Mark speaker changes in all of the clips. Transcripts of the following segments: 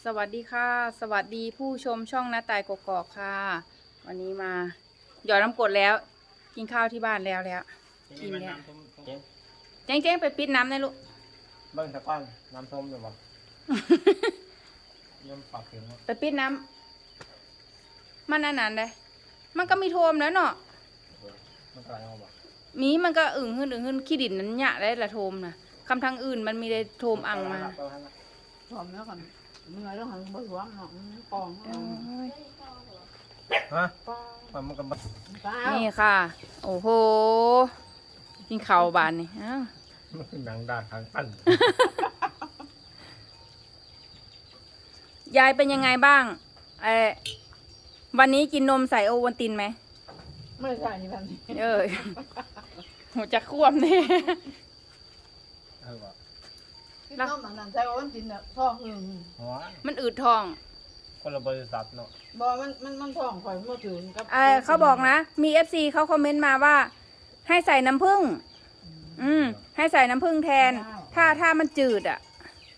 Speaker 1: สวัสดีค่ะสวัสดีผู้ชมช่องน้าตายกกอกค่ะวันนี้มาหยอดน้ำกรดแล้วกินข้าวที่บ้านแล้วกินแล้วเจ๊งไปปิดน้ำได้ลูก
Speaker 2: เบิ้งตะก้อนน้ำส้มหรือเปล่าย่อมปากเข็ม
Speaker 1: ไปปิดน้ำมันนานๆได้มันก็มีโทมแล้วเนาะ
Speaker 2: มันกลายมาบอก
Speaker 1: มีมันก็อึ่งขึ้นขี้ดินนั้นหยะได้ละโทมนะคำทางอื่นมันมีได้โทมอังมา
Speaker 3: พร้อมแล้วกันเมื่อต้องหันบนหัวหนองกอง
Speaker 2: ฮะมันก็
Speaker 1: นี่ค่ะ โอ้โหกินข้าวบานนี่อ้าว
Speaker 2: มันคือหนังดาดทางปั้น
Speaker 1: ยายเป็นยังไงบ้างวันนี้กินนมใส่โอวัลตินไหม
Speaker 3: ไม่ใช่แบบนี้
Speaker 1: หัวจะควมเนี่ย
Speaker 2: บอก
Speaker 3: ที่น้องนั่นใช้วันจินเนี่ยท้องอึ่ง
Speaker 2: หัว
Speaker 1: มันอืดท้อง
Speaker 2: คนละบริษัทเนาะ
Speaker 3: บอกมันท้องข่อยเมื่อถึงกับ
Speaker 1: เขาบอกนะ มีFCเขาคอมเมนต์มาว่า ให้ใส่น้ำผึ้งให้ใส่น้ำผึ้งแทน ถ้ามันจืดอ่ะ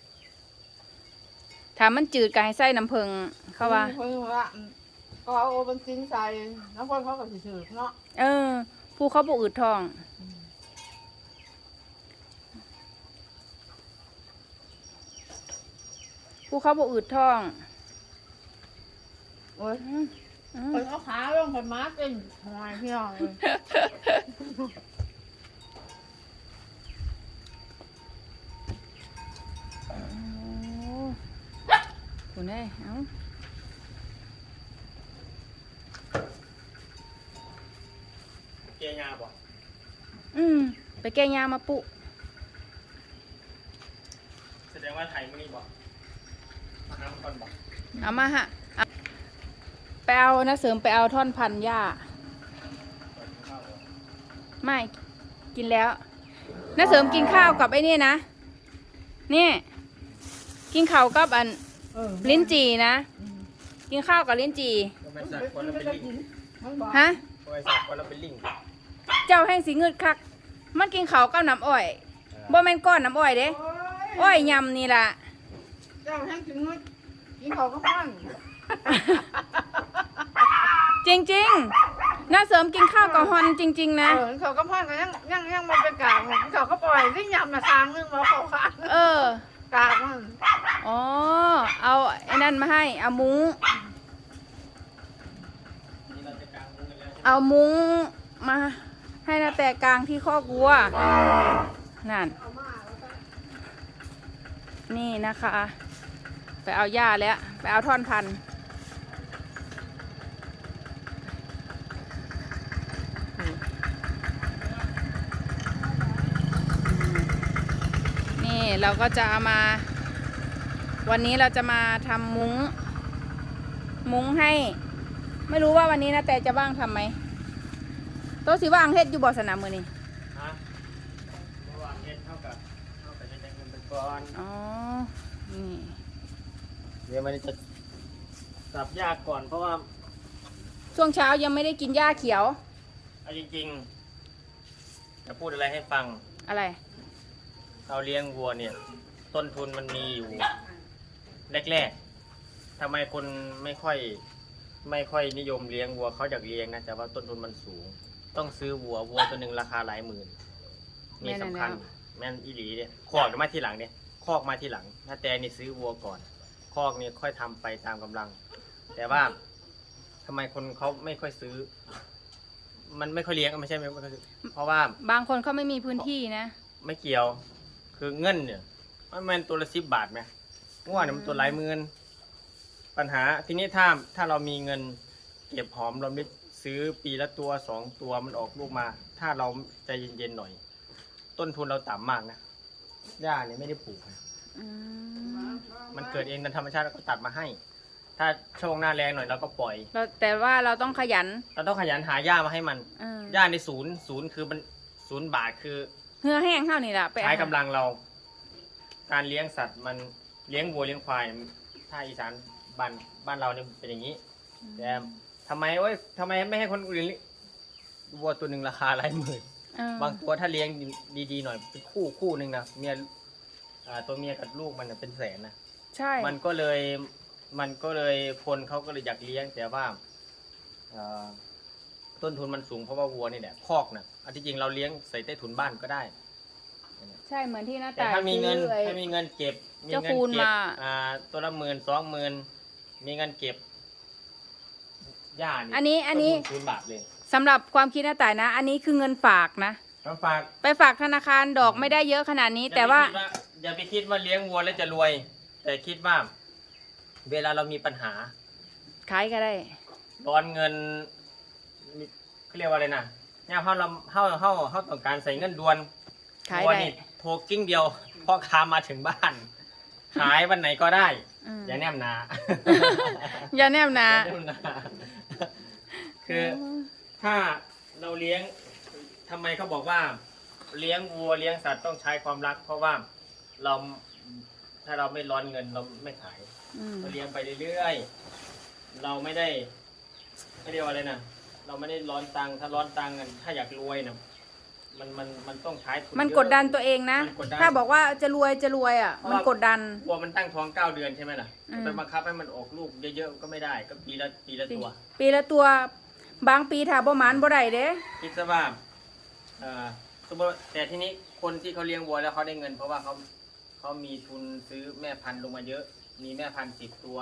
Speaker 1: ถ้ามันจืดก็ให้ใส่น้ำผึ้งเขาว่า
Speaker 3: เพิ่งว่าก็เอาวันจินใส่น้ำคนเขาก็สิถือเนาะ
Speaker 1: ผู้เขาบอกอืดท้อง ผู้เขาบอกอืดท้อง
Speaker 3: โอ้ยคนเอาขาลงไปมาเต็มทำไมพี่น้องเลย
Speaker 1: คุณเอ้ยเอ้า
Speaker 2: เกียร์ยาบอก
Speaker 1: ไปแก้ยามาปุ
Speaker 2: แสดงว่าไทยไม่บอกมาน้ำก่อนบอก
Speaker 1: เอามาฮะไปเอานะเสริมไปเอาท่อนพันหญ้า ไม่กินแล้วนะเสริมกินข้าวกับไอ้นี่นะนี่กินข้าวกับลิ้นจี่นะ กินข้าวกับลิ้นจี่
Speaker 2: ก็ไม่สักคนละเป็นลิง
Speaker 1: ฮะ
Speaker 2: ก็ไม่สักคนละเป็นลิง
Speaker 1: เจ้าแห้งสีเงืดคัก มันกินข้าวกับน้ำอ้อยบ่แม่นก้อนน้ำอ้อยเด้อ้อยยำนี่ล่ะ
Speaker 3: เจ้าแห้งกินมื้อกินเขาก็พัง
Speaker 1: จริงๆน่าเสริมกินข้าวกับฮอนจริงๆนะ
Speaker 3: เขาก็พังก็ยังมาเป็นกากเขาก็ปล่อยที่ยำมาทางนึงมาเขาขาด กากมัน
Speaker 1: อ๋อ เอาไอ้นั่นมาให้ เอามุ้ง
Speaker 2: นี่เราจะกางมุ้งกันแล้ว
Speaker 1: เอามุ้งมาให้นาแต่กลางที่คอกวัว นั่น นี่นะคะ ไปเอาหญ้าแล้ว ไปเอาท่อนพันธุ์นี่เราก็จะเอามา วันนี้เราจะมาทำมุ้งให้ ไม่รู้ว่าวันนี้นะแต่จะว่างทำไหมโต๊ะสิว่างเฮ็ดอยู่บ่สนามมือนี่
Speaker 2: ฮะเมื่อวานเฮ็ดเท่ากับเฮ็ดได้เงินเป็นก้อน
Speaker 1: อ๋อ นี่
Speaker 2: เดี๋ยวมันจะสับยากก่อนเพราะว่า
Speaker 1: ช่วงเช้ายังไม่ได้กินหญ้าเขียว
Speaker 2: เอาจริงๆจะพูดอะไรให้ฟัง
Speaker 1: อะไร
Speaker 2: เราเลี้ยงวัวเนี่ย ต้นทุนมันมีอยู่แรกๆทำไมคนไม่ค่อยนิยมเลี้ยงวัวเขาอยากเลี้ยงนะแต่ว่าต้นทุนมันสูง ต้องซื้อวัวตัวหนึ่งราคาหลายหมื่นนี่สำคัญแม่นอีหลีเนี่ยคอกมาที่หลังเนี่ยคอกมาที่หลัง ถ้าแต่นี่ซื้อวัวก่อนคอกนี่ค่อยทำไปตามกำลัง แต่ว่าทำไมคนเขาไม่ค่อยซื้อ มันไม่ค่อยเลี้ยงไม่ใช่ไม่ค่อยซื้อเพราะว่า
Speaker 1: บางคนเขาไม่มีพื้นที่นะ
Speaker 2: ไม่เกี่ยว คือเงินเนี่ยมันตัวละ10 บาทไหมง่วเนี่ยมันตัวหลายหมื่นปัญหาทีนี้ถ้าเรามีเงินเก็บหอมรอมริบซื้อปีละตัว2 ตัวมันออกลูกมา ถ้าเราใจเย็นๆหน่อย ต้นทุนเราต่ำมากนะหญ้าเนี่ยไม่ได้ปลูกนะมันเกิดเองตามธรรมชาติแล้วก็ตัดมาให้ ถ้าช่วงหน้าแรงหน่อยเราก็ปล่อย
Speaker 1: แต่ว่าเราต้องขยัน
Speaker 2: เราต้องขยันหาหญ้ามาให้มัน
Speaker 1: เออ
Speaker 2: หญ้าในศูนย์คือมัน0 บาทคือ
Speaker 1: เหือแห้งเท่านี่แหละไป
Speaker 2: ใช้กำลังเรา การเลี้ยงสัตว์มันเลี้ยงวัวเลี้ยงควายถ้าอีสานบ้านเราเนี่ยเป็นอย่างนี้ แต่ทำไมไม่ให้คนอื่นเลี้ยงวัวตัวหนึ่งราคาหลายหมื่น บางตัวถ้าเลี้ยงดีๆหน่อยเป็นคู่หนึ่งนะเมียตัวเมียกับลูกมันนะเป็นแสนนะ
Speaker 1: ใช่
Speaker 2: มันก็เลยคนเขาก็เลยอยากเลี้ยงแต่ว่าเอ่อต้นทุนมันสูงเพราะว่าวัวนี่แหละคอกน่ะอันที่จริงเราเลี้ยงใส่ใต้ถุนบ้านก็ได้
Speaker 1: ใช่เหมือนที่หน้า
Speaker 2: แต่
Speaker 1: ตา
Speaker 2: ถ้ามีเงิน
Speaker 1: ซื้อไอ้
Speaker 2: ถ้ามีเงินเก็บมี
Speaker 1: เจ้า
Speaker 2: เงิน
Speaker 1: คูณ
Speaker 2: เก็บ
Speaker 1: มา
Speaker 2: ตัวละ10,000 20,000มีเงินเก็บหญ้านี่
Speaker 1: อันนี้
Speaker 2: ต้ทุ0 บาทเลย
Speaker 1: สำหรับความคิดหน้าตายนะ อันนี้คือเงินฝากนะ
Speaker 2: ต้องฝาก
Speaker 1: ไปฝากธนาคารดอกไม่ได้เยอะขนาดนี้ แต่ว่า
Speaker 2: อย่าไปคิดว่าเลี้ยงวัวแล้วจะรวย แต่คิดว่า เวลาเรามีปัญหา
Speaker 1: ขายก็ได้
Speaker 2: ร้อนเงินเขาเรียกว่าอะไรนะเนี่ยเขาต้องการใส่เงินด่วน
Speaker 1: ขาย
Speaker 2: วัว
Speaker 1: ได้
Speaker 2: นี่โทรกิ้งเดียวพ่อค้ามาถึงบ้าน ขายวันไหนก็ได้
Speaker 1: อืม
Speaker 2: อย่าแนมนา
Speaker 1: อย่าแนบนะ
Speaker 2: อย่าแนมนาคือถ้าเราเลี้ยงทำไมเขาบอกว่าเลี้ยงวัวเลี้ยงสัตว์ต้องใช้ความรัก เพราะว่าเราถ้าเราไม่ร้อนเงินเราไม่ขาย
Speaker 1: อืม
Speaker 2: เราเลี้ยงไปเรื่อยๆเราไม่ได้เขาเรียกว่าอะไรนะเราไม่ได้ร้อนตังค์ถ้าร้อนตังค์กันถ้าอยากรวยนะมันต้องใช้ทุน
Speaker 1: มัน
Speaker 2: เยอะ
Speaker 1: กดดันตัวเองนะ
Speaker 2: มันกดดัน
Speaker 1: ถ้าบอกว่าจะรวยอ่ะ มันกดดัน
Speaker 2: วัวมันตั้งท้อง9 เดือนใช่ไหมล่ะ
Speaker 1: อืม
Speaker 2: ไปบังคับให้มันออกลูกเยอะๆก็ไม่ได้ก็ปีละตัว
Speaker 1: ปีละตัวบางปีถ้าบ่หมานบ่ได้เด้
Speaker 2: คิดซะว่าสมมติแต่ทีนี้คนที่เขาเลี้ยงวัวแล้วเขาได้เงิน เพราะว่าเขามีทุนซื้อแม่พันธุ์ลงมาเยอะ มีแม่พันธุ์10 ตัว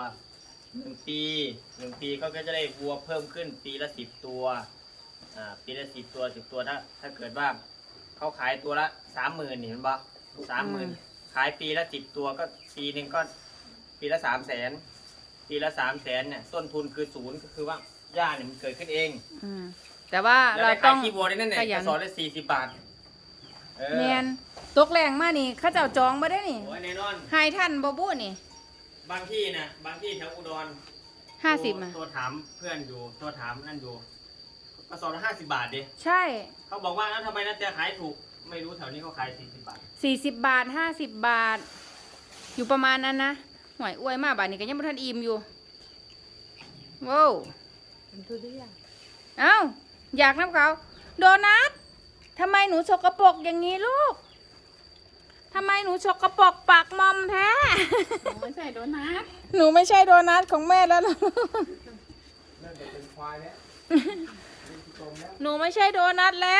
Speaker 2: 1 ปีก็จะได้วัวเพิ่มขึ้นปีละ10 ตัวปีละ10 ตัว10 ตัวถ้าเกิดว่าเขาขายตัวละ30,000นี่เห็นปะ30,000ขายปีละ10 ตัวก็ปีหนึ่งก็ปีละ300,000ปีละ300,000เนี่ยต้นทุนคือ0ก็คือว่าหญ้าเนี่ยมันเกิดขึ้นเอง
Speaker 1: อืมแต่ว่า
Speaker 2: แล้ว
Speaker 1: เรา
Speaker 2: ได้
Speaker 1: ต้
Speaker 2: ขา
Speaker 1: อย ง
Speaker 2: ขี้วัวได้นั่นเนี่ย
Speaker 1: ขยั
Speaker 2: ก
Speaker 1: น
Speaker 2: ระสอบละ40 บาทเออ
Speaker 1: แมนตกแรงมานี่เขาเจ้าจองบ่ได้นี่
Speaker 2: โอ้ยแน่นอน
Speaker 1: ให้ท่านบ่บู้นี่
Speaker 2: บางที่นะบางที่แถวอุดร
Speaker 1: 50อ่ะ
Speaker 2: ตัวถามเพื่อนอยู่ตัวถามนั่นอยู่กระสอบละ50 บาทดิ
Speaker 1: ใช่
Speaker 2: เขาบอกว่าแล้วทำไมนั่นจะขายถูกไม่รู้แถวนี้เขาขาย40 บาท
Speaker 1: 40 บาท50 บาท อยู่ประมาณนั้นนะหวยอวยมากบาทนี้ก็ยังบ่ทันอิ่มอยู่ว้าว
Speaker 3: เป็นทุเรียน
Speaker 1: เอ้าอยากน้ำเขาโดนัททำไมหนูสกปรกอย่างนี้ลูกทำไมหนูสกปรกปากมอมแท้
Speaker 3: ไม่ใส่โดนัท
Speaker 1: หนูไม่ใช่โดนัทของแม่แล้วเหรอ
Speaker 2: นั่นจะเป็นควายแล้ว
Speaker 1: หนูไม่ใช่โดนัทแล้ว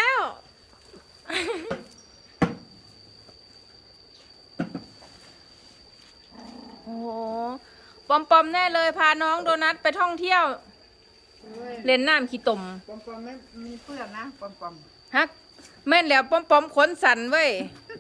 Speaker 1: โอ้โหปอมๆแน่เลยพาน้องโดนัทไปท่องเที่ยว เล่นน้ำขี้ตม
Speaker 3: ปอมๆไม่มีเปลือกนะปอม
Speaker 1: ฮักแม่นแล้วปอมๆขนสันเว้ย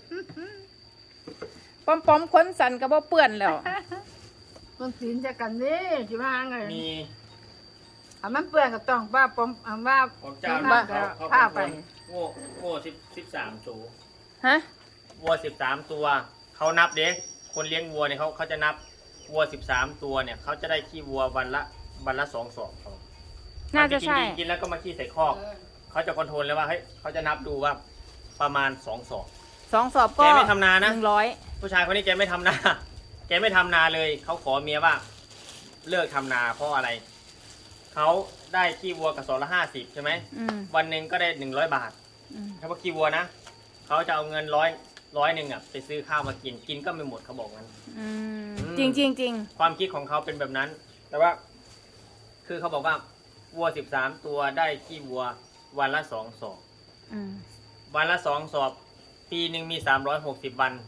Speaker 1: ปอมๆขนสันก็บ่เปื้อนแล้ว
Speaker 3: ๆมันสินจะกันนี่จิมาไง
Speaker 2: มี
Speaker 3: มันเปลือกกับต้องป้าปอมว่า
Speaker 2: ของเจ้า
Speaker 3: บ้า
Speaker 2: เขา
Speaker 3: ผ้าไป
Speaker 2: โง่13 ตัว
Speaker 1: ฮะ
Speaker 2: วัว13 ตัวเขานับเด็กคนเลี้ยงวัวเนี่ยเขาจะนับวัว13 ตัวเนี่ยเขาจะได้ขี้วัววันละ2 ศอก
Speaker 1: น่าจะใช่
Speaker 2: กินแล้วก็มาขี้ใส่คอกเขาจะคอนโทรลเลยว่าเฮ้ยเขาจะนับดูว่าประมาณ2 ศอก
Speaker 1: 2 สอบก็
Speaker 2: แกไม่ทำนานะ
Speaker 1: 100
Speaker 2: ผู้ชายคนนี้แกไม่ทำนา แกไม่ทำนาเลยเขาขอเมียว่า เลิกทำนาเพราะอะไรเขาได้ขี้วัวกระสอบละ50ใช่ไหม
Speaker 1: อืม
Speaker 2: วันหนึ่งก็ได้100 บาท
Speaker 1: อืม
Speaker 2: ถ้าว่าขี้วัวนะเขาจะเอาเงินร้อยหนึ่งอ่ะไปซื้อข้าวมากินก็ไม่หมดเขาบอกงั้น
Speaker 1: อืม
Speaker 2: อืม
Speaker 1: จริงจริงจริง
Speaker 2: ความคิดของเขาเป็นแบบนั้น แต่ว่า คือเขาบอกว่าวัว13 ตัวได้ขี้วัววันละ2 ศอก
Speaker 1: อืม
Speaker 2: วันละ2 ศอกปีหนึ่งมี360 วัน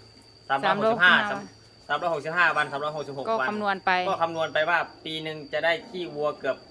Speaker 2: 365วัน366
Speaker 1: ก็
Speaker 2: วัน
Speaker 1: คำนวณไป
Speaker 2: ก็คำนวณไปว่า ปีหนึ่งจะได้ขี้วัวเกือบ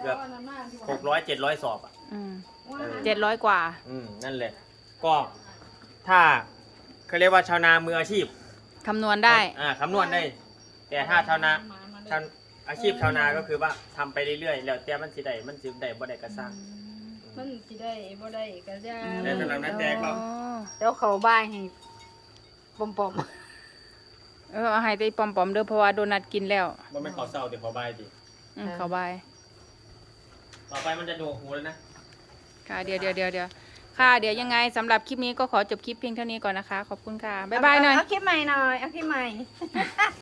Speaker 2: 600-700 ศอกอ่ะ
Speaker 1: อืม
Speaker 2: เออ
Speaker 1: 700 กว่า
Speaker 2: นั่นแหละ ก็ถ้าเขาเรียกว่าชาวนามืออาชีพ
Speaker 1: คำนวณได้
Speaker 2: คำนวณได้ แต่ถ้าชาวนาอาชีพชาวนาก็คือว่าทำไปเรื่อยๆแล้วแต่มันสิได้บ่ได้ก็สร้าง
Speaker 3: มันสิได้บ่ได้ก็จะ
Speaker 2: แต่สำหรับนักแตกก็
Speaker 3: เดี๋ยวเขาบ้ายให้ปอม
Speaker 1: เอาให้ได้ปอมๆเด้อเพราะว่าโดนัทกินแล้ว
Speaker 2: มันไม่ขอเศร้าเดี๋ยวขอบายดิ
Speaker 1: เขาบาย
Speaker 2: ต่อไปมันจะโดกหูแล้วนะ
Speaker 1: ค่ะเดี๋ยวค่ะเดี๋ยวยังไงสำหรับคลิปนี้ก็ขอจบคลิปเพียงเท่านี้ก่อนนะคะ ขอบคุณค่ะ บ๊ายบายหน่อย
Speaker 3: เอาคลิปใหม่หน่อยเอาคลิปใหม่